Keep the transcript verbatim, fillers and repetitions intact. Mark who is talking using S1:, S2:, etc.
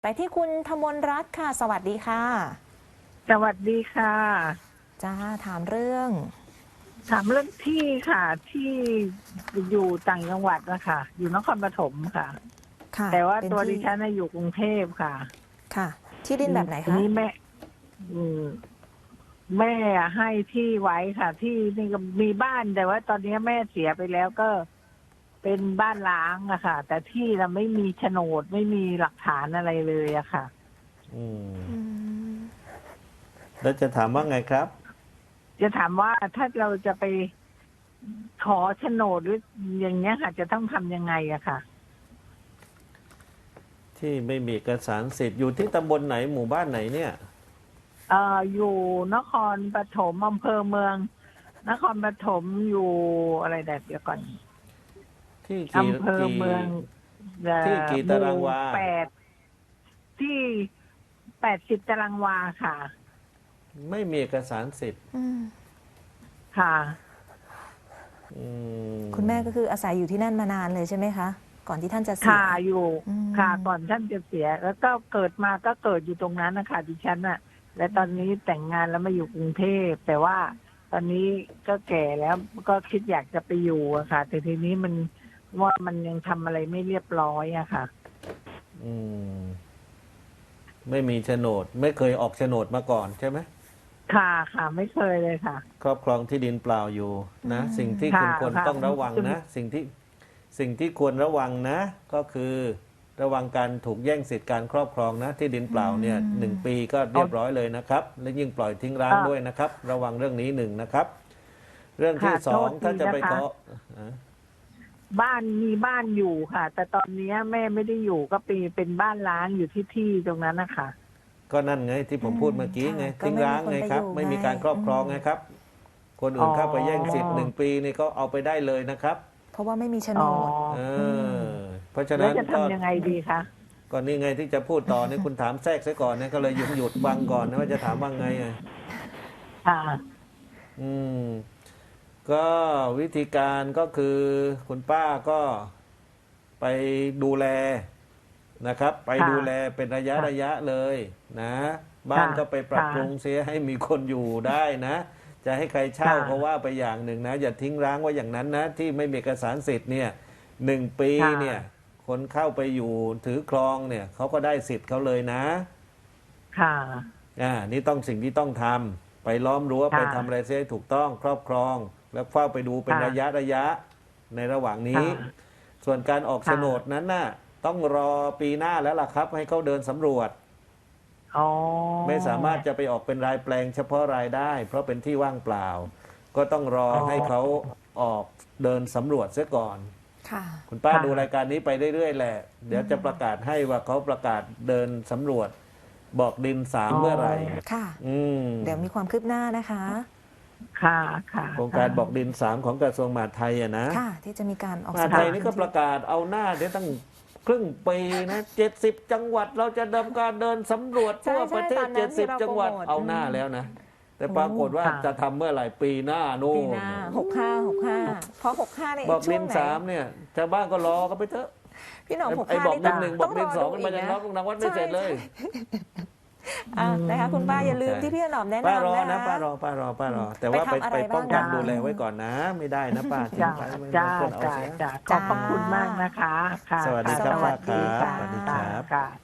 S1: ไปที่คุณธมนรัตน์ค่ะสวัสดีค่ะ
S2: สวัสดีค่ะ
S1: จ้าถามเรื่อง
S2: ถามเรื่องที่ค่ะที่อยู่ต่างจังหวัดนะคะอยู่นครปฐมค่ะ
S1: ค่ะ
S2: แต่ว่า
S1: เป็น
S2: ตัวดิ
S1: ที่
S2: ฉันน่ะอยู่กรุงเทพค่ะ
S1: ค่ะ ที่ดินแบบไหน
S2: ที
S1: คะ
S2: นี้แม่อืมแม่ให้ที่ไว้ค่ะ ที่นี่ก็มีบ้านแต่ว่าตอนนี้แม่เสียไปแล้วก็เป็นบ้านล้างอะค่ะ แต่ที่เราไม่มีโฉนดไม่มีหลักฐานอะไรเลยอะค่ะ
S3: อืม
S1: อืม
S3: แล้วจะถามว่าไงครับ
S2: จะถามว่าถ้าเราจะไปขอโฉนดหรืออย่างเงี้ยค่ะ จะต้องทำยังไงอะค่ะ
S3: ที่ไม่มีเอกสารสิทธิ์อยู่ที่ตำบลไหนหมู่บ้านไหนเนี่ย
S2: เอ่ออยู่นครปฐมอำเภอเมือง นครปฐมอยู่อะไรแดดเดี๋ยวก่อน
S3: ที่กี่
S2: อำเภอ
S3: กี่
S2: เมืองเอ่
S3: ที่กี่
S2: อหมู่
S3: ตารางวา
S2: แปดที่แปดสิบตารางวาค่ะ
S3: ไม่มีเอกสารสิทธิ์
S1: อืม
S2: ค่ะ
S3: อืม
S1: คุณแม่ก็คืออาศัยอยู่ที่นั่นมานานเลยใช่ไหมคะ ก่อนที่ท่านจะเสีย
S2: ค่ะอยู่
S1: อืม
S2: ค่ะก่อนท่านจะเสีย แล้วก็เกิดมาก็เกิดอยู่ตรงนั้นนะคะดิฉันน่ะ และตอนนี้แต่งงานแล้วมาอยู่กรุงเทพแต่ว่าตอนนี้ก็แก่แล้วก็คิดอยากจะไปอยู่อะค่ะ แต่ทีนี้มันว่ามันยังทำอะไรไม่เรียบร้อยอะค่ะ
S3: อืมไม่มีโฉนด ไม่เคยออกโฉนดมาก่อนใช่ไหม
S2: ค่ะค่ะไม่เคยเลยค่ะ
S3: ครอบครองที่ดินเปล่าอยู่นะ สิ่งที่คุณ
S2: ค่ะ
S3: ควร
S2: ค่ะ
S3: ต้องระวังนะ สิ่งที่สิ่งที่ควรระวังนะ ก็คือระวังการถูกแย่งสิทธิการครอบครองนะ ที่ดินเปล่าเนี่ยหนึ่งปีก็เรียบร้อยเลยนะครับ และยิ่งปล่อยทิ้งร้างด้วยนะครับ ระวังเรื่องนี้หนึ่งนะครับ เรื่องที่
S2: ค่ะ
S3: สอง
S2: โทษที
S3: ถ้าจะไป
S2: นะคะ
S3: ขออ่ะ
S2: บ้านมีบ้านอยู่ค่ะ แต่ตอนนี้แม่ไม่ได้อยู่ก็เป็นเป็นบ้านล้างอยู่ที่ที่ตรงนั้นนะคะ
S3: ก็นั่นไงที่ผมพูดเมื่อกี้ไง
S1: ค่ะก็
S3: ทิ้งร้างไงครับ
S1: ไม่
S3: ไม่
S1: มี
S3: มี
S1: คนไปอยู่
S3: การครอบครอง
S1: ไง
S3: ไงครับ คนอื่นเข้าไปแย่งสิทธิ์
S2: อ๋อ
S3: หนึ่งปีนี่ก็เอาไปได้เลยนะครับ
S1: เพราะว่าไม่มีโฉน
S2: อ๋อ
S1: ด
S3: เออเพราะฉะ
S2: แล้
S3: นั้
S2: วน จะ
S3: ก็
S2: ทำยังไงดีคะ
S3: ก่อนนี้ไงที่จะพูดต่อเนี่ยคุณถามแทรกซะก่อนเนี่ยก็เลยหยุดหยุดฟังก่อนนะว่าจะถามว่าไงอ่ะ
S2: ค่ะ
S3: อืมก็วิธีการก็คือคุณป้าก็ไปดูแลนะครับ ไปดูแลเป็นระยะ
S2: ค่ะ
S3: ระยะเลยนะ บ้าน
S2: ค่ะ
S3: ก็ไปปรับ
S2: ค่ะ
S3: ปรุงเสียให้มีคนอยู่ได้นะ จะให้ใครเช่า
S2: ค่ะ
S3: ก็ว่าไปอย่างหนึ่งนะ อย่าทิ้งร้างไว้อย่างนั้นนะ ที่ไม่มีเอกสารสิทธิ์เนี่ยหนึ่งปี
S2: ค่ะ
S3: เนี่ย คนเข้าไปอยู่ถือครองเนี่ยเขาก็ได้สิทธิ์เขาเลยนะ
S2: ค่ะ
S3: อ่านี่ต้องสิ่งที่ต้องทำไปล้อมรั้ว
S2: ค่ะ
S3: ไปทำอะไรเสียให้ถูกต้องครอบครอง แล้วเฝ้าไปดูเป็น
S2: ค่ะ
S3: ระยะระยะในระหว่างนี้
S2: ค่ะ
S3: ส่วนการออก
S2: ค่ะ
S3: โฉนดนั้นน่ะต้องรอปีหน้าแล้วล่ะครับ ให้เขาเดินสำรวจ
S2: อ๋อ
S3: ไม่สามารถจะไปออกเป็นรายแปลงเฉพาะรายได้ เพราะเป็นที่ว่างเปล่า ก็ต้องรอให้เขาออกเดินสำรวจเสียก่อน
S1: ค่ะ
S3: คุณป้า
S2: ค่ะ
S3: ดูรายการนี้ไปเรื่อยๆแหละ เดี๋ยวจะประกาศให้ว่าเขาประกาศเดินสำรวจ บอกดินสามเมื่อไหร่
S1: ค่ะ
S3: อืม
S1: เดี๋ยวมีความคืบหน้านะคะ
S2: ค่ะค่ะ
S3: โครงการบอกดินสามของกระทรวงมหาดไทยอะนะ
S1: ค่ะ ที่จะมีการออก
S3: มหาดไทยนี่ก็ประกาศเอาหน้าเดี๋ยวตั้งครึ่งปีนะเจ็ดสิบจังหวัดเราจะดำการเดินสำรวจ
S1: ใช่
S3: ทั่วประเท
S1: ใช่
S3: ศ
S1: ตอนนั้น
S3: เจ็ดสิบ
S1: ที่เรา
S3: จังหวัด
S1: โปรโมท
S3: เอาหน้า
S1: อืม
S3: แล้วนะ แต่ปรากฏว่า
S2: ค่ะ
S3: จะทำเมื่อไหร่ปีหน้าโน่
S1: ปี
S3: น
S1: หน้าหกห้าหกห้าเพราะหกห้าใน
S3: บอก
S1: ช่
S3: ดิ
S1: วง
S3: น
S1: ไหน
S3: สามเนี่ยชาวบ้านก็รอกันไปเถอะ
S1: พี่หนอมหก
S3: ไอ้
S1: ห้า
S3: บอกดินหนึ่งบอกดินสอง
S1: ต้
S3: มันมาจาก
S1: ร
S3: น้องนางวัดไม่เสร็จเลย
S1: อ่ะนะคะคุณป้าอย่าลืม
S3: ใช่
S1: ที่พี่หนอมแนะ
S3: ป้ารอน
S1: ำ
S3: นะ
S1: นะคะ
S3: ป้ารอป้ารอป้ารอ แต่ว่า
S1: ไป
S3: ไป
S1: ทำอะไร
S3: ไปป้องกัน
S1: บ้าง
S3: ดูแลไว้ก่อนนะ ไม่ได้นะป้าทิ้ง
S2: จ้า
S3: ใครไว้
S2: จ้า
S3: บางคนเอา
S2: จ้า
S3: เสีย
S2: จ้าขอบพระคุณมากนะคะ ค่ะ
S3: สวัสดีครับ
S2: สวัสดี
S3: ป้าครับ
S2: ค่ะ
S3: สวัสดีครับ
S2: ค่ะ